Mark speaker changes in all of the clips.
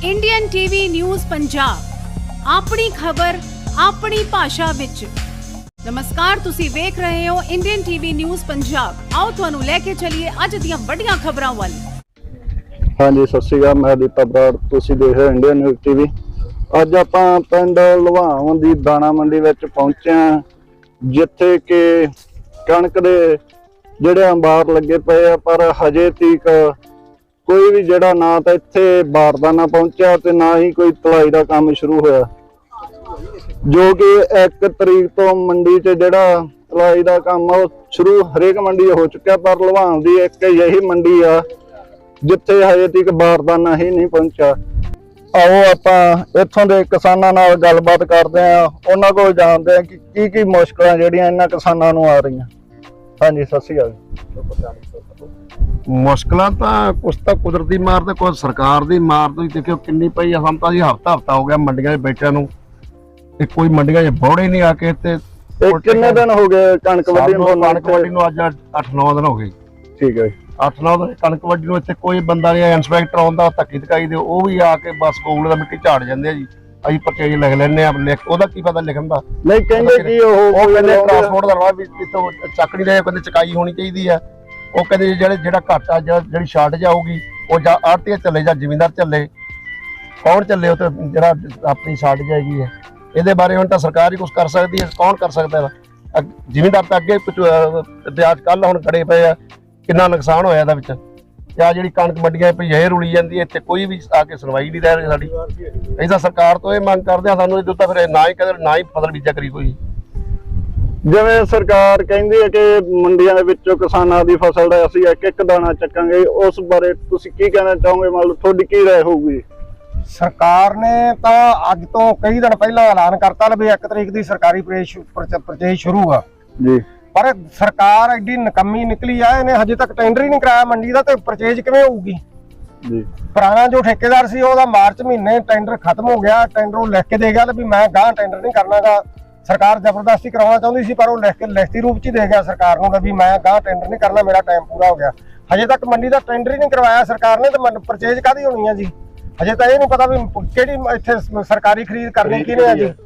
Speaker 1: Indian TV news Punjab अपनी खबर अपनी भाषा विच। नमस्कार, तुसी वेख रहे हो इंडियन टीवी न्यूज़ पंजाब। आओ तुहानू लेके चलिए अज दियां वड्डियां खबरां वाल।
Speaker 2: हाँ जी, सत श्री अकाल। मैं दीपा बराड़, तुसी देख रहे हो इंडियन न्यूज़ टीवी। अज आपां पिंड लुभावन दी दाणा मंडी विच पहुंचे हां, जिथे कि कणक दे जिहड़े अंबार लगे पे आ, पर हजे तक कोई भी जिहड़ा ना तो इत्थे बारदाना पहुंचा ते ना ही कोई तलाई दा काम शुरू होया, जो कि 1 तरीक तो मंडी च जिहड़ा तलाई दा काम शुरू हरेक मंडी हो चुका। पर लुभावन दी एक यही मंडी आ जिथे हजे तक बारदाना ही नहीं पहुंचा। आओ आपां इत्थों दे किसानां नाल गलबात करदे आ, उन्हां कोल जाणदे आ कि की मुश्किलां जिहड़ियां इन्हां किसानां नूं आ रहीआं। हाँ जी, सत श्री अकाल।
Speaker 3: मुश्किलां तां कुछ तां कुदरती मार ते कुछ सरकार दी मार। तुसीं देखिओ किन्नी पई आ। हम तां जी हफ्ता हो गया मंडियां 'ਚ बैठिਆਂ ਨੂੰ ते कोई मंडियां 'ਚ बौड़े नहीं आके ते
Speaker 2: किन्ने दिन हो गए कणक वड्डी नूं?
Speaker 3: कणक वड्डी नूं अज 8-9 दिन हो गए।
Speaker 2: ठीक है,
Speaker 3: 8-9 दिन कणक वड्डी नूं इत्थे कोई बंदा नहीं। इंस्पैक्टर आउंदा धक्की धकाई दे ਉਹ ਵੀ ਆ ਕੇ बस ਕੋਲ ਦਾ ਮਿੱਟੀ ਝਾੜ ਜਾਂਦੇ ਆ ਜੀ। ਅਸੀਂ ਪਰਚੇਜ ਲਿਖ ਲੈਣੇ ਆ, ਲਿਖ ਉਹਦਾ ਕੀ ਪਤਾ ਲਿਖਣ ਦਾ।
Speaker 2: ਨਹੀਂ ਕਹਿੰਦੇ ਕਿ ਉਹ
Speaker 3: ਕਹਿੰਦੇ ਟਰਾਂਸਪੋਰਟ ਦਾ ਰਾਹ ਵੀ ਇੱਥੋਂ ਚੱਕ ਨਹੀਂ ਰਹੇ, ਕਹਿੰਦੇ ਚਕਾਈ ਹੋਣੀ ਚਾਹੀਦੀ ਆ। ਉਹ ਕਹਿੰਦੇ ਜਿਹੜਾ ਘਾਟਾ ਜਿਹੜੀ ਸ਼ਾਰਟੇਜ ਆਊਗੀ ਉਹ ਜਾਂ ਆੜ੍ਹਤੀਆ ਚੱਲੇ ਜਾਂ ਜ਼ਿਮੀਂਦਾਰ ਚੱਲੇ, ਕੌਣ ਚੱਲੇ ਉਹ ਤੇ ਜਿਹੜਾ ਆਪਣੀ ਸ਼ਾਰਟੇਜ ਹੈਗੀ ਹੈ। ਇਹਦੇ ਬਾਰੇ ਹੁਣ ਤਾਂ ਸਰਕਾਰ ਹੀ ਕੁਝ ਕਰ ਸਕਦੀ ਹੈ, ਕੌਣ ਕਰ ਸਕਦਾ। ਜ਼ਿਮੀਂਦਾਰ ਤਾਂ ਅੱਗੇ ਵਿਆਜ ਕੱਲ ਹੁਣ ਖੜੇ ਪਏ ਆ, ਕਿੰਨਾ ਨੁਕਸਾਨ ਹੋਇਆ ਇਹਦੇ ਵਿੱਚ। ਤੇ ਆ ਜਿਹੜੀ ਕਣਕ ਮੰਡੀਆਂ ਪਈ ਇਹ ਰੁਲੀ ਜਾਂਦੀ ਹੈ, ਇੱਥੇ ਕੋਈ ਵੀ ਆ ਕੇ ਸੁਣਵਾਈ ਨਹੀਂ ਰਹਿ ਰਹੀ ਸਾਡੀ। ਅਸੀਂ ਤਾਂ ਸਰਕਾਰ ਤੋਂ ਇਹ ਮੰਗ ਕਰਦੇ ਹਾਂ, ਸਾਨੂੰ ਇਹ ਦਿੱਤਾ ਫਿਰ ਨਾ ਹੀ ਕਦੇ ਨਾ ਹੀ ਫਸਲ ਬੀਜਿਆ ਕਰੀ ਕੋਈ।
Speaker 2: ਜਿਵੇਂ ਸਰਕਾਰ ਕਹਿੰਦੀ ਹੈ ਕਿ ਮੰਡੀਆਂ ਦੇ ਵਿੱਚੋਂ ਕਿਸਾਨਾਂ ਦੀ ਫਸਲ ਦਾ ਅਸੀਂ ਇੱਕ ਦਾਣਾ ਚੱਕਾਂਗੇ, ਉਸ ਬਾਰੇ ਤੁਸੀਂ ਕੀ ਕਹਿਣਾ ਚਾਹੋਗੇ? ਮਤਲਬ ਤੁਹਾਡੀ ਕੀ ਰਾਏ ਹੋਊਗੀ?
Speaker 4: ਸਰਕਾਰ ਨੇ ਤਾਂ ਅੱਜ ਤੋਂ ਕਈ ਦਿਨ ਪਹਿਲਾਂ ਐਲਾਨ ਕਰਤਾ ਵੀ 1 ਤਰੀਕ ਦੀ ਸਰਕਾਰੀ ਪਰਚੇਜ ਸ਼ੁਰੂ ਆ
Speaker 2: ਜੀ,
Speaker 4: ਪਰ ਸਰਕਾਰ ਐਡੀ ਨਕੰਮੀ ਨਿਕਲੀ ਆ, ਇਹਨੇ ਹਜੇ ਤੱਕ ਟੈਂਡਰ ਹੀ ਨਹੀਂ ਕਰਾਇਆ ਮੰਡੀ ਦਾ, ਤੇ ਪਰਚੇਜ ਕਿਵੇਂ ਹੋਊਗੀ
Speaker 2: ਜੀ।
Speaker 4: ਪੁਰਾਣਾ ਜੋ ਠੇਕੇਦਾਰ ਸੀ ਉਹਦਾ ਮਾਰਚ ਮਹੀਨੇ ਟੈਂਡਰ ਖਤਮ ਹੋ ਗਿਆ। ਟੈਂਡਰ ਉਹ ਲਿਖ ਕੇ ਦੇ ਗਿਆ ਵੀ ਮੈਂ ਗਾਂ ਟੈਂਡਰ ਨਹੀਂ ਕਰਨਾਗਾ। ਸਰਕਾਰ ਜ਼ਬਰਦਸਤੀ ਕਰਾਉਣਾ ਚਾਹੁੰਦੀ ਸੀ, ਪਰ ਉਹ ਲਿਖ ਕੇ ਲਿਖਤੀ ਰੂਪ ਚ ਹੀ ਦੇ ਗਿਆ ਸਰਕਾਰ ਨੂੰ ਵੀ ਮੈਂ ਗਾਂ ਟੈਂਡਰ ਨਹੀਂ ਕਰਨਾ, ਮੇਰਾ ਟਾਈਮ ਪੂਰਾ ਹੋ ਗਿਆ। ਹਜੇ ਤੱਕ ਮੰਡੀ ਦਾ ਟੈਂਡਰ ਹੀ ਨਹੀਂ ਕਰਵਾਇਆ ਸਰਕਾਰ ਨੇ, ਤੇ ਪਰਚੇਜ ਕਾਹਦੀ ਹੋਣੀ ਆ ਜੀ? ਹਜੇ ਤਾਂ ਇਹ ਨਹੀਂ ਪਤਾ ਵੀ ਕਿਹੜੀ ਇੱਥੇ ਸਰਕਾਰੀ ਖਰੀਦ ਕਰਨੀ ਕਿਹਨੇ ਆ ਜੀ।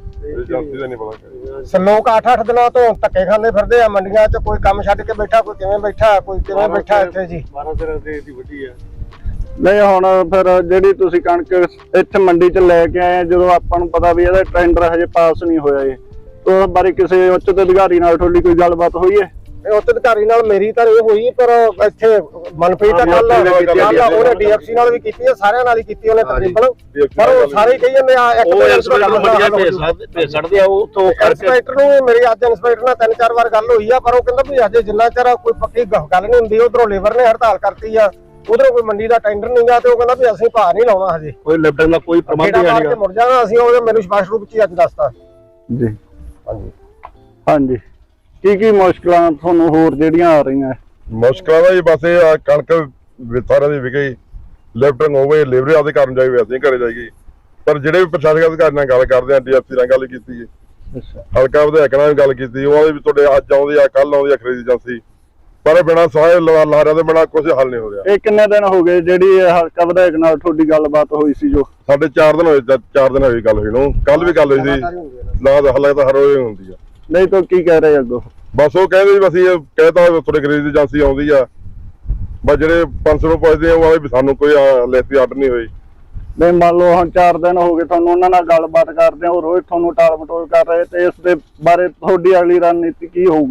Speaker 4: ਲੋਕ 8-8 ਦਿਨਾਂ ਤੋਂ ਧੱਕੇ ਖਾਂਦੇ ਫਿਰਦੇ ਆ ਮੰਡੀਆਂ 'ਚ, ਕੋਈ ਕੰਮ ਛੱਡ ਕੇ ਬੈਠਾ, ਕੋਈ ਕਿਵੇਂ ਬੈਠਾ, ਕੋਈ ਕਿਵੇਂ ਬੈਠਾ ਇੱਥੇ ਜੀ।
Speaker 3: 12 ਦਿਨਾਂ ਦੀ ਵੱਡੀ ਆ।
Speaker 2: ਨਹੀਂ ਹੁਣ ਫਿਰ ਜਿਹੜੀ ਤੁਸੀਂ ਕਣਕ ਇੱਥੇ ਮੰਡੀ 'ਚ ਲੈ ਕੇ ਆਏ, ਜਦੋਂ ਆਪਾਂ ਨੂੰ ਪਤਾ ਵੀ ਇਹਦਾ ਟੈਂਡਰ ਹਜੇ ਪਾਸ ਨਹੀਂ ਹੋਇਆ, ਇਹ ਉਸ ਬਾਰੇ ਕਿਸੇ ਉੱਚ ਅਧਿਕਾਰੀ ਨਾਲ ਤੁਹਾਡੀ ਕੋਈ ਗੱਲਬਾਤ ਹੋਈ ਹੈ?
Speaker 4: ਉੱਚ ਅਧਿਕਾਰੀ ਨਾਲ ਮੇਰੀ ਤਾਂ ਇਹ ਹੋਈ, ਪਰ ਇੱਥੇ ਮਨਪ੍ਰੀਤ ਨਾਲ ਉਹਨੇ ਡੀਐਫਸੀ ਨਾਲ ਵੀ ਕੀਤੀ ਹੈ, ਸਾਰਿਆਂ ਨਾਲ ਹੀ ਕੀਤੀ ਉਹਨੇ ਤਕਰੀਬਨ, ਪਰ ਉਹ ਸਾਰੇ ਕਹੀ ਜਾਂਦੇ ਆ ਇੱਕ
Speaker 3: ਛੱਡਦੇ ਆ ਉਹ
Speaker 4: ਇੰਸਪੈਕਟਰ ਨੂੰ। ਮੇਰੀ ਅੱਜ ਇੰਸਪੈਕਟਰ ਨਾਲ 3-4 ਵਾਰ ਗੱਲ ਹੋਈ ਆ, ਪਰ ਉਹ ਕਹਿੰਦਾ ਵੀ ਅਜੇ ਜਿੰਨਾ ਚਿਰ ਕੋਈ ਪੱਕੀ ਗੱਲ ਨਹੀਂ ਹੁੰਦੀ। ਉਧਰੋਂ ਲੇਬਰ ਨੇ ਹੜਤਾਲ ਕਰਤੀ ਆ, ਉਧਰੋਂ ਕੋਈ ਮੰਡੀ ਦਾ ਟੈਂਡਰ ਨਹੀਂ ਗਾ, ਤੇ ਉਹ ਕਹਿੰਦਾ ਵੀ ਅਸੀਂ ਭਾਅ ਨਹੀਂ ਲਾਉਣਾ ਹਜੇ,
Speaker 3: ਕੋਈ ਲਿਫਟਿੰਗ ਦਾ ਕੋਈ ਪ੍ਰਬੰਧ ਨਹੀਂ
Speaker 4: ਮੁੜ ਜਾਣਾ ਅਸੀਂ। ਉਹ ਮੈਨੂੰ ਸਪਸ਼ਟ ਰੂਪ ਚ ਅੱਜ ਦੱਸਤਾ
Speaker 2: ਜੀ।
Speaker 4: ਹਾਂਜੀ
Speaker 2: ਹਾਂਜੀ, ਕੀ ਮੁਸ਼ਕਲਾਂ ਤੁਹਾਨੂੰ ਹੋਰ ਜਿਹੜੀਆਂ ਆ ਰਹੀਆਂ?
Speaker 5: ਮੁਸ਼ਕਲਾਂ ਦਾ ਜੀ ਬਸ ਇਹ ਆ, ਕਣਕ ਸਾਰਿਆਂ ਦੀ ਵਿਕੇ, ਲਿਫਟਿੰਗ ਹੋਵੇ, ਲੇਬਰ ਆਪਦੇ ਘਰ ਨੂੰ ਜਾਈ, ਵੈਸੇ ਘਰੇ ਜਾਈਏ। ਪਰ ਜਿਹੜੇ ਵੀ ਪ੍ਰਸ਼ਾਸਕ ਅਧਿਕਾਰੀ ਨਾਲ ਗੱਲ ਕਰਦੇ ਆ, ਡੀਐਫਸੀ ਨਾਲ ਗੱਲ ਕੀਤੀ ਹੈ, ਹਲਕਾ ਵਿਧਾਇਕ ਨਾਲ ਵੀ ਗੱਲ ਕੀਤੀ, ਉਹਦੇ ਵੀ ਤੁਹਾਡੇ ਅੱਜ ਆਉਂਦੀ ਆ, ਕੱਲ ਆਉਂਦੀ ਆ ਖਰੀਦ ਏਜੰਸੀ, ਪਰ ਬਿਨਾਂ ਸਾਰੇ ਲਾਰਿਆਂ ਦੇ ਬਿਨਾਂ ਕੁਝ ਹੱਲ ਨਹੀਂ ਹੋ ਰਿਹਾ।
Speaker 2: ਇਹ ਕਿੰਨੇ ਦਿਨ ਹੋ ਗਏ ਜਿਹੜੀ ਹਲਕਾ ਵਿਧਾਇਕ ਨਾਲ ਤੁਹਾਡੀ ਗੱਲਬਾਤ ਹੋਈ ਸੀ? ਜੋ
Speaker 5: ਸਾਡੇ 4 ਦਿਨ ਹੋਏ, 4 ਦਿਨ ਹੋਈ ਗੱਲ ਹੋਈ ਨੂੰ, ਕੱਲ ਵੀ ਗੱਲ ਹੋਈ ਸੀ। ਨਾ ਤਾਂ ਹੱਲ ਤਾਂ ਹਰ ਰੋਜ਼ ਹੁੰਦੀ ਆ।
Speaker 2: ਨਹੀਂ ਤਾਂ ਕੀ ਕਹਿ ਰਹੇ ਅੱਗੋਂ?
Speaker 5: ਬਸ ਉਹ ਕਹਿੰਦੇ ਵੀ ਅਸੀਂ ਕਹਿਤਾ ਤੁਹਾਡੇ ਖਰੀਦ ਏਜੰਸੀ ਆਉਂਦੀ ਆ, ਬਸ ਜਿਹੜੇ 500 ਨੂੰ ਪੁੱਛਦੇ ਆ ਉਹ ਵੀ ਸਾਨੂੰ ਕੋਈ ਲਿਖਤੀ ਆਰਡਰ ਨਹੀਂ ਹੋਈ।
Speaker 2: ਨਹੀਂ ਮੰਨ ਲਓ ਹੁਣ 4 ਦਿਨ ਹੋ ਗਏ ਤੁਹਾਨੂੰ ਉਹਨਾਂ ਨਾਲ ਗੱਲਬਾਤ ਕਰਦੇ ਆ, ਉਹ ਰੋਜ਼ ਤੁਹਾਨੂੰ ਟਾਲ ਮਟੋਲ ਕਰ ਰਹੇ, ਤੇ ਇਸ ਦੇ ਬਾਰੇ ਤੁਹਾਡੀ ਅਗਲੀ ਰਣਨੀਤੀ ਕੀ ਹੋਊਗੀ?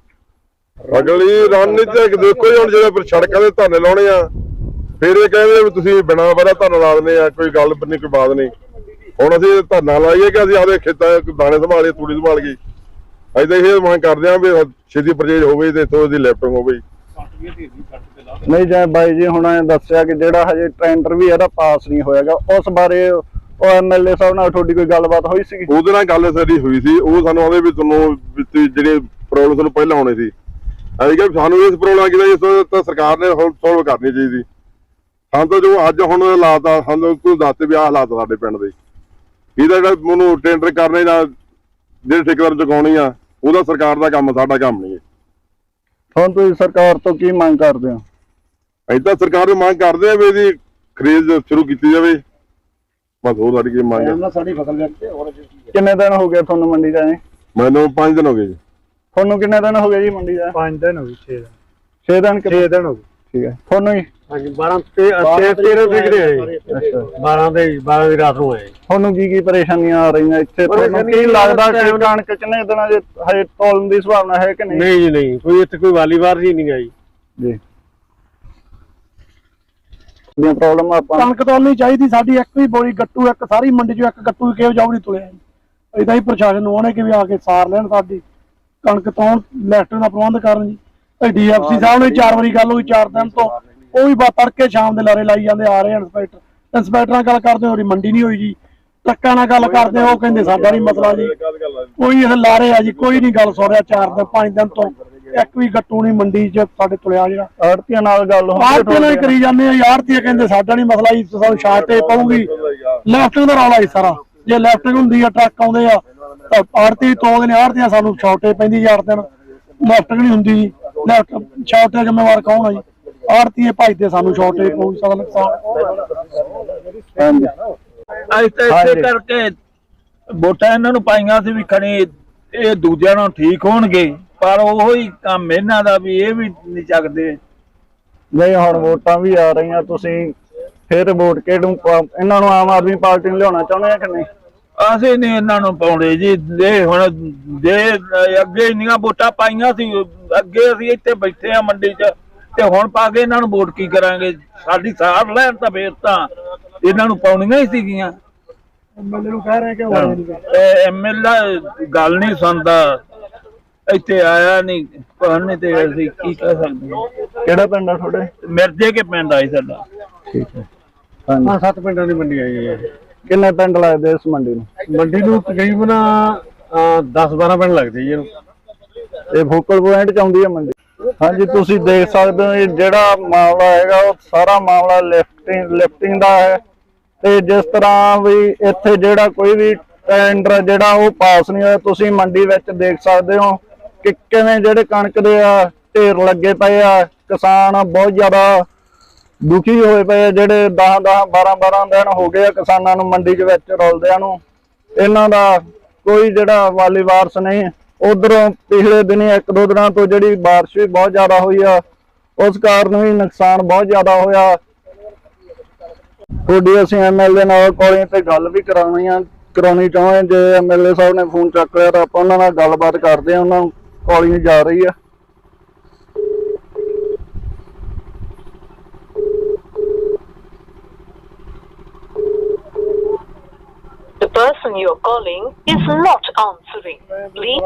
Speaker 5: ਅਗਲੀ ਰਣਨੀਤੀ ਦੇਖੋ ਜੀ, ਹੁਣ ਜਿਹੜੇ ਸੜਕਾਂ ਦੇ ਧਰਨੇ ਲਾਉਣੇ ਆ, ਫਿਰ ਇਹ ਕਹਿੰਦੇ ਵੀ ਤੁਸੀਂ ਬਿਨਾਂ ਵਜ੍ਹਾ ਧਰਨਾ ਲਾ ਦਿੰਦੇ ਆ, ਕੋਈ ਗੱਲ ਨਹੀਂ, ਕੋਈ ਬਾਤ ਨਹੀਂ। ਹੁਣ ਅਸੀਂ ਧਰਨਾ ਲਾਈਏ ਕਿ ਅਸੀਂ ਆਪਦੇ ਖੇਤਾਂ ਦਾਣੇ ਸੰਭਾਲੀਏ, ਤੂੜੀ ਸੰਭਾਲ ਗਈ। ਅਸੀਂ ਤਾਂ ਇਹ ਮੰਗ ਕਰਦੇ ਹਾਂ ਵੀ ਛੇਤੀ ਪਰਚੇਜ ਹੋਵੇ ਤੇ ਇੱਥੋਂ ਦੀ ਲਿਫਟਿੰਗ ਹੋਵੇ।
Speaker 2: ਨਹੀਂ ਜਿਵੇਂ ਬਾਈ ਜੀ ਹੁਣ ਦੱਸਿਆ ਕਿ ਜਿਹੜਾ ਹਜੇ ਟੈਂਡਰ ਵੀ ਇਹਦਾ ਪਾਸ ਨਹੀਂ ਹੋਇਆਗਾ, ਉਸ ਬਾਰੇ ਉਹ ਐਮਐਲਏ ਸਾਹਿਬ ਨਾਲ ਤੁਹਾਡੀ ਕੋਈ ਗੱਲਬਾਤ ਹੋਈ ਸੀਗੀ?
Speaker 5: ਉਹਦੇ ਨਾਲ ਗੱਲ ਸਾਡੀ ਹੋਈ ਸੀ, ਉਹ ਸਾਨੂੰ ਆਉਂਦੇ ਵੀ ਤੁਹਾਨੂੰ ਜਿਹੜੇ ਪ੍ਰੋਬਲਮ ਤੁਹਾਨੂੰ ਪਹਿਲਾਂ ਆਉਣੇ ਸੀ, ਅਸੀਂ ਕਿਹਾ ਸਾਨੂੰ ਇਸ ਪ੍ਰੋਬਲਮ ਕਿਹਦਾ ਤਾਂ ਸਰਕਾਰ ਨੇ ਸੋਲਵ ਕਰਨੀ ਚਾਹੀਦੀ। ਸਾਨੂੰ ਤਾਂ ਜੋ ਅੱਜ ਹੁਣ ਹਾਲਾਤ ਆ, ਸਾਨੂੰ ਤੂੰ ਦੱਸ ਵੀ ਆਹ ਹਾਲਾਤ ਸਾਡੇ ਪਿੰਡ ਦੇ, ਇਹਦਾ ਜਿਹੜਾ ਮੈਨੂੰ ਟੈਂਡਰ ਕਰਨੇ ਜਾਂ ਜਿਹੜੇ ਠੇਕੇਦਾਰ ਚੁਕਾਉਣੀ ਆ, ਉਹਦਾ ਸਰਕਾਰ ਦਾ ਕੰਮ, ਸਾਡਾ ਕੰਮ ਨਹੀਂ।
Speaker 2: ਹੁਣ ਤੁਸੀਂ ਸਰਕਾਰ ਤੋਂ ਕੀ ਮੰਗ ਕਰਦੇ ਹੋ?
Speaker 5: ਅਸੀਂ ਤਾਂ ਸਰਕਾਰ ਨੂੰ ਮੰਗ ਕਰਦੇ ਆ ਵੀ ਇਹਦੀ ਖਰੀਦ ਸ਼ੁਰੂ ਕੀਤੀ ਜਾਵੇ, ਬਸ ਹੋਰ ਸਾਡੀ ਕੀ ਮੰਗ ਹੈ।
Speaker 3: ਇਹਨਾਂ ਸਾਡੀ ਫਸਲ ਵਿੱਚ ਹੋਰ
Speaker 2: ਕਿੰਨੇ ਦਿਨ ਹੋ ਗਏ ਤੁਹਾਨੂੰ ਮੰਡੀ ਜਾਏ?
Speaker 5: ਮੈਨੂੰ 5 ਦਿਨ ਹੋ ਗਏ ਜੀ।
Speaker 2: ਤੁਹਾਨੂੰ ਕਿੰਨੇ ਦਿਨ ਹੋ ਗਏ ਜੀ ਮੰਡੀ ਜਾਏ?
Speaker 4: 5 ਦਿਨ ਹੋ ਗਏ
Speaker 2: 6 ਦਿਨ
Speaker 4: 6 ਦਿਨ ਹੋ ਗਏ।
Speaker 2: ਠੀਕ ਹੈ। ਤੁਹਾਨੂੰ ਜੀ?
Speaker 4: ਹਾਂਜੀ 12 13 ਤਰੀਕ ਦੇ ਆਏ।
Speaker 2: ਅੱਛਾ।
Speaker 4: 12 ਦੀ ਰਾਤ ਨੂੰ ਆਏ।
Speaker 2: ਤੁਹਾਨੂੰ ਕੀ ਪਰੇਸ਼ਾਨੀਆਂ ਆ ਰਹੀਆਂ ਇੱਥੇ? ਤੁਹਾਨੂੰ ਕੀ ਲੱਗਦਾ ਕਿ ਕਣਕ ਕਿੰਨੇ ਦਿਨਾਂ ਦੇ ਹਜੇ ਤੋਲਣ ਦੀ ਸੰਭਾਵਨਾ ਹੈ ਕਿ ਨਹੀਂ?
Speaker 4: ਨਹੀਂ ਜੀ ਨਹੀਂ, ਕੋਈ ਇੱਥੇ ਕੋਈ ਵਾਲੀਵਾਰ ਜੀ ਨਹੀਂ ਗਈ
Speaker 2: ਜੀ। ਦੀਆਂ ਪ੍ਰੋਬਲਮ ਆਪਾਂ
Speaker 6: ਕਣਕ ਤੋਲਣੀ ਚਾਹੀਦੀ ਸਾਡੀ, ਇੱਕ ਵੀ ਬੋਰੀ ਗੱਟੂ, ਇੱਕ ਸਾਰੀ ਮੰਡੀ ਚੋਂ ਇੱਕ ਗੱਟੂ ਕਿਉਂ ਜਾਉ ਨਹੀਂ ਤੁਲਿਆ। ਇਦਾਂ ਹੀ ਪ੍ਰਸ਼ਾਸਨ ਨੂੰ ਆਉਣੇ ਕਿ ਵੀ ਆ ਕੇ ਸਾਰ ਲੈਣ ਸਾਡੀ ਕਣਕ ਤੋਂ, ਲੈਫਟ ਦਾ ਪ੍ਰਬੰਧ ਕਰਨ ਜੀ। ਡੀਐਫਸੀ ਸਾਹਿਬ ਨੇ 4 ਵਾਰੀ ਗੱਲ ਹੋਈ 4 ਦਿਨ ਤੋਂ, ਉਹ ਵੀ ਤੜਕੇ ਸ਼ਾਮ ਦੇ ਲਾਰੇ ਲਾਈ ਜਾਂਦੇ ਆ ਰਹੇ। ਇੰਸਪੈਕਟਰ ਨਾਲ ਗੱਲ ਕਰਦੇ ਹੋ ਮੰਡੀ ਨਹੀਂ ਹੋਈ ਜੀ, ਟਰੱਕਾਂ ਨਾਲ ਗੱਲ ਕਰਦੇ ਉਹ ਕਹਿੰਦੇ ਸਾਡਾ ਨਹੀਂ ਮਸਲਾ ਜੀ। ਕੋਈ ਇਹ ਲਾਰੇ ਆ ਜੀ, ਕੋਈ ਨਹੀਂ ਗੱਲ ਸੁਣ ਰਿਹਾ 4 ਦਿਨ 5 ਦਿਨ ਤੋਂ, ਇੱਕ ਵੀ ਗੱਟੂ ਨਹੀਂ ਮੰਡੀ 'ਚ ਸਾਡੇ ਤੁਲਿਆ। ਜਿਹੜਾ
Speaker 2: ਆੜਤੀਆਂ ਨਾਲ ਗੱਲ
Speaker 6: ਆੜਤੀਆਂ ਨਾਲ ਕਰੀ ਜਾਂਦੇ ਆ, ਆੜਤੀਆਂ ਕਹਿੰਦੇ ਸਾਡਾ ਨਹੀਂ ਮਸਲਾ ਜੀ, ਸਾਨੂੰ ਸ਼ਾਰਟੇਜ ਪਊਗੀ। ਲੈਫਟਿੰਗ ਦਾ ਰੌਲਾ ਜੀ ਸਾਰਾ, ਜੇ ਲੈਫਟਿੰਗ ਹੁੰਦੀ ਆ ਟਰੱਕ ਆਉਂਦੇ ਆ ਤਾਂ ਆੜਤੀ ਤੋਂਦੇ ਨੇ, ਆੜਤੀਆਂ ਸਾਨੂੰ ਸ਼ਾਰਟੇਜ ਪੈਂਦੀ 4 ਦਿਨ, ਲੈਫਟਿੰਗ ਨਹੀਂ ਹੁੰਦੀ ਜੀ। ਲੈਫਟ ਸ਼ਾਰਟੇਜ ਜ਼ਿੰਮੇਵਾਰ ਕੌਣ ਆ ਜੀ? ਆੜਤੀਏ ਭਜਦੇ, ਸਾਨੂੰ ਸ਼ਾਰਟੇਜ ਪਊ ਸਾਡਾ ਨੁਕਸਾਨ।
Speaker 7: ਅੱਜ ਤਾਂ ਇਸੇ ਕਰਕੇ ਵੋਟਾਂ ਇਹਨਾਂ ਨੂੰ ਪਾਈਆਂ ਸੀ ਵੀ ਖਣੀ ਇਹ ਦੂਜਿਆਂ ਨੂੰ ਠੀਕ ਹੋਣਗੇ, ਪਰ ਉਹੋ ਹੀ ਕੰਮ ਇਹਨਾਂ ਦਾ ਵੀ ਇਹ ਵੀ ਨਹੀਂ ਚੱਕਦੇ।
Speaker 2: ਨਹੀਂ, ਹੁਣ ਵੋਟਾਂ ਵੀ ਆ ਰਹੀਆਂ, ਤੁਸੀਂ ਫਿਰ ਵੋਟ ਕਿਹਨੂੰ ਇਹਨਾਂ ਨੂੰ ਆਮ ਆਦਮੀ ਪਾਰਟੀ ਨੂੰ ਲਿਆਉਣਾ ਚਾਹੁੰਦੇ ਆ ਕਿ ਨਹੀਂ?
Speaker 7: ਅਸੀਂ ਨਹੀਂ ਇਹਨਾਂ ਨੂੰ ਪਾਉਂਦੇ ਜੀ। ਜੇ ਹੁਣ ਜੇ ਅੱਗੇ ਇੰਨੀਆਂ ਵੋਟਾਂ ਪਾਈਆਂ ਸੀ, ਅੱਗੇ ਅਸੀਂ ਇੱਥੇ ਬੈਠੇ ਆ ਮੰਡੀ 'ਚ, ਤੇ ਹੁਣ ਪਾ ਕੇ ਇਹਨਾਂ ਨੂੰ ਵੋਟ ਕੀ ਕਰਾਂਗੇ? ਸਾਡੀ ਸਾਰ ਲੈਣ ਤਾਂ ਫੇਰ ਤਾਂ ਇਹਨਾਂ ਨੂੰ ਪਾਉਣੀਆਂ ਹੀ ਸੀਗੀਆਂ।
Speaker 6: ਐਮਐਲਏ ਨੂੰ ਕਹਿ ਰਹੇ ਕਿ
Speaker 7: ਐਮਐਲਏ ਗੱਲ ਨਹੀਂ ਸੁਣਦਾ, ਇੱਥੇ ਆਇਆ ਨਹੀਂ ਨਹੀਂ, ਤੇ ਅਸੀਂ ਕੀ ਕਹਿ ਸਕਦੇ ਹਾਂ?
Speaker 2: ਕਿਹੜਾ ਪਿੰਡ ਆ ਤੁਹਾਡੇ?
Speaker 7: ਮਿਰਜੇ ਕੇ ਪਿੰਡ ਆਈ ਸਾਡਾ।
Speaker 2: ਠੀਕ ਹੈ। ਹਾਂਜੀ,
Speaker 4: 7 ਪਿੰਡਾਂ ਦੀ ਮੰਡੀ ਆਈ ਹੈ।
Speaker 2: ਕਿੰਨੇ ਪਿੰਡ ਲੱਗਦੇ ਇਸ ਮੰਡੀ ਨੂੰ?
Speaker 4: ਮੰਡੀ ਨੂੰ ਤਕਰੀਬਨ 10-12 ਪਿੰਡ ਲੱਗਦੇ ਜੀ ਇਹਨੂੰ।
Speaker 2: ਇਹ ਫੋਕਲ ਪੁਆਇੰਟ 'ਚ ਆਉਂਦੀ ਹੈ ਮੰਡੀ। ਹਾਂਜੀ, ਤੁਸੀਂ ਦੇਖ ਸਕਦੇ ਹੋ ਇਹ ਜਿਹੜਾ ਮਾਮਲਾ ਹੈਗਾ ਉਹ ਸਾਰਾ ਮਾਮਲਾ ਲਿਫਟਿੰਗ ਦਾ ਹੈ। ਤੇ ਜਿਸ ਤਰ੍ਹਾਂ ਵੀ ਇੱਥੇ ਜਿਹੜਾ ਕੋਈ ਵੀ ਟੈਂਡਰ ਜਿਹੜਾ ਉਹ ਪਾਸ ਨਹੀਂ ਹੋਇਆ, ਤੁਸੀਂ ਮੰਡੀ ਵਿੱਚ ਦੇਖ ਸਕਦੇ ਹੋ ਕਿ ਕਿਵੇਂ ਜਿਹੜੇ ਕਣਕ ਦੇ ਆ ਢੇਰ ਲੱਗੇ ਪਏ ਆ। ਕਿਸਾਨ ਬਹੁਤ ਜ਼ਿਆਦਾ ਦੁਖੀ ਹੋਏ ਪਏ ਆ, ਜਿਹੜੇ 10-10 12-12 ਦਿਨ ਹੋ ਗਏ ਆ ਕਿਸਾਨਾਂ ਨੂੰ ਮੰਡੀ ਦੇ ਵਿੱਚ ਰੁਲਦਿਆਂ ਨੂੰ। ਇਹਨਾਂ ਦਾ ਕੋਈ ਜਿਹੜਾ ਵਾਲੀ ਵਾਰਸ ਨਹੀਂ। ਉਧਰੋਂ ਪਿਛਲੇ ਦਿਨੀ 1-2 ਦਿਨਾਂ ਤੋਂ ਜਿਹੜੀ ਬਾਰਿਸ਼ ਵੀ ਬਹੁਤ ਜ਼ਿਆਦਾ ਹੋਈ ਆ, ਉਸ ਕਾਰਨ ਵੀ ਨੁਕਸਾਨ ਬਹੁਤ ਜ਼ਿਆਦਾ ਹੋਇਆ। ਤੁਹਾਡੀ ਅਸੀਂ ਐਮਐਲਏ ਨਾਲ ਕਾਲਿੰਗ ਤੇ ਗੱਲ ਵੀ ਕਰਾਉਣੀ ਚਾਹੁੰਦੇ। ਜੇ ਐਮਐਲਏ ਸਾਹਿਬ ਨੇ ਫੋਨ ਚੱਕ ਲਿਆ ਤਾਂ ਆਪਾਂ ਉਹਨਾਂ ਨਾਲ ਗੱਲਬਾਤ ਕਰਦੇ ਹਾਂ। ਉਹਨਾਂ ਨੂੰ ਕਾਲਿੰਗ ਜਾ ਰਹੀ ਆ।
Speaker 8: The person you're calling is not answering. Please.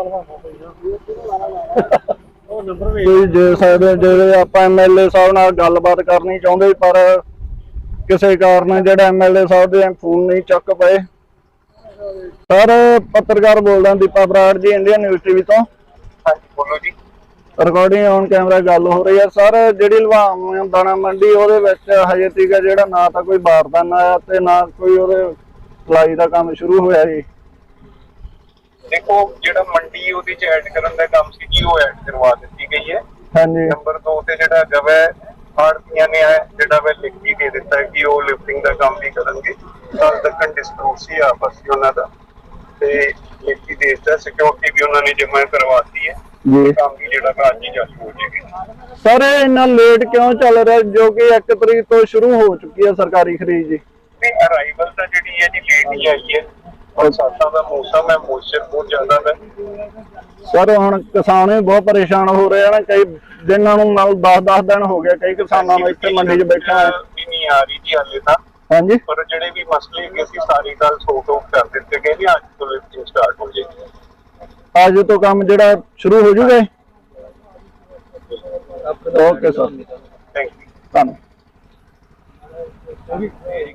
Speaker 2: ਤੁਸੀਂ ਦੇਖ ਸਕਦੇ ਹੋ ਜਿਹੜੇ ਆਪਾਂ ਐਮਐਲਏ ਸਾਹਿਬ ਨਾਲ ਗੱਲਬਾਤ ਕਰਨੀ ਚਾਹੁੰਦੇ, ਪਰ ਕਿਸੇ ਕਾਰਨ ਜਿਹੜਾ ਐਮਐਲਏ ਸਾਹਿਬ ਦੇ ਫੋਨ ਨਹੀਂ ਚੱਕ ਪਏ। ਸਰ, ਪੱਤਰਕਾਰ ਬੋਲਦਾ ਦੀਪਾ ਬਰਾੜ ਜੀ, ਇੰਡੀਅਨ ਨਿਊਜ਼ ਟੀਵੀ ਤੋਂ।
Speaker 3: ਹਾਂਜੀ ਬੋਲੋ ਜੀ।
Speaker 2: ਰਿਕਾਰਡਿੰਗ ਔਨ ਕੈਮਰਾ ਗੱਲ ਹੋ ਰਹੀ ਹੈ। ਸਰ, ਜਿਹੜੀ ਲੁਧਿਆਣਾ ਦਾਣਾ ਮੰਡੀ ਉਹਦੇ ਵਿੱਚ ਹਜੇ ਤੀਕ ਜਿਹੜਾ ਨਾ ਤਾਂ ਕੋਈ ਬਾਰਦਾਨ ਆਇਆ ਤੇ ਨਾ ਕੋਈ ਉਹਦੇ ਸਪਲਾਈ ਦਾ ਕੰਮ ਸ਼ੁਰੂ ਹੋਇਆ ਜੀ।
Speaker 9: ਦੇਖੋ, ਜਿਹੜਾ ਮੰਡੀ ਉਹਦੇ ਚ ਐਡ ਕਰਨ ਦਾ ਕੰਮ ਸੀ ਜੀ, ਉਹ ਐਡ ਕਰਵਾ ਦਿੱਤੀ ਗਈ ਹੈ।
Speaker 2: ਹਾਂਜੀ।
Speaker 9: ਨੰਬਰ 2 ਤੇ ਜਿਹੜਾ ਗਵੈ ਆੜਤੀਆਂ ਨੇ ਜਿਹੜਾ ਵੇ ਲਿਖਤੀ ਦੇ ਦਿੱਤਾ ਕਿ ਉਹ ਲਿਫਟਿੰਗ ਦਾ ਕੰਮ ਵੀ ਕਰਨਗੇ। ਕੱਲ ਤੱਕ ਡਿਸਪਿਊਟ ਸੀ ਆਪਸ ਵਿੱਚ ਉਹਨਾਂ ਦਾ, ਤੇ ਲਿਖਤੀ ਦੇ ਦਿੱਤਾ, ਸਿਕਿਉਰਿਟੀ ਵੀ ਉਹਨਾਂ ਨੇ ਜਮ੍ਹਾਂ ਕਰਵਾਤੀ ਹੈ
Speaker 2: ਜੀ।
Speaker 9: ਕੰਮ ਵੀ ਜਿਹੜਾ ਅੱਜ ਹੀ ਚਾਲੂ ਹੋ ਜਾਏਗਾ।
Speaker 2: ਸਰ, ਇਹ ਇੰਨਾ ਲੇਟ ਕਿਉਂ ਚੱਲ ਰਿਹਾ, ਜੋ ਕਿ 1 ਤਰੀਕ ਤੋਂ ਸ਼ੁਰੂ ਹੋ ਚੁੱਕੀ ਹੈ ਸਰਕਾਰੀ ਖਰੀਦ ਜੀ?
Speaker 9: ਤੇ ਅਰਾਈਵਲ ਤਾਂ ਜਿਹੜੀ ਹੈ ਜੀ ਲੇਟ ਹੀ ਆਈ ਹੈ। ਬਰਸਾਤਾਂ ਦਾ ਮੌਸਮ ਹੈ, ਮੋਇਸਚਰ ਬਹੁਤ ਜ਼ਿਆਦਾ ਹੈ।
Speaker 2: ਸਰ, ਹੁਣ ਕਿਸਾਨ ਵੀ ਬਹੁਤ ਪਰੇਸ਼ਾਨ ਹੋ ਰਹੇ ਹਨ। ਕਈ ਦਿਨਾਂ ਨੂੰ ਨਾਲ 10-10 ਦਿਨ ਹੋ ਗਏ ਕਈ ਕਿਸਾਨਾਂ ਨੂੰ ਇੱਥੇ ਮੰਡੀ 'ਚ ਬੈਠਾ ਹੈ।
Speaker 9: ਵੀ ਨਹੀਂ ਆ ਰਹੀ ਜੀ ਹਾਲੇ ਤਾਂ।
Speaker 2: ਹਾਂਜੀ।
Speaker 9: ਪਰ ਜਿਹੜੇ ਵੀ ਮਸਲੇ ਹੈਗੇ ਸੀ ਸਾਰੀ ਗੱਲ ਸੋਟ ਆਊਟ ਕਰ ਦਿੱਤੇ ਗਏ ਨੇ। ਅੱਜ ਤੋਂ ਲਿਫਟਿੰਗ ਸਟਾਰਟ ਹੋ ਜਾਏਗੀ।
Speaker 2: ਅੱਜ ਤੋਂ ਕੰਮ ਜਿਹੜਾ ਸ਼ੁਰੂ ਹੋ ਜੂਗਾ। Okay sir,
Speaker 9: thank you.
Speaker 2: ਧੰਨਵਾਦ।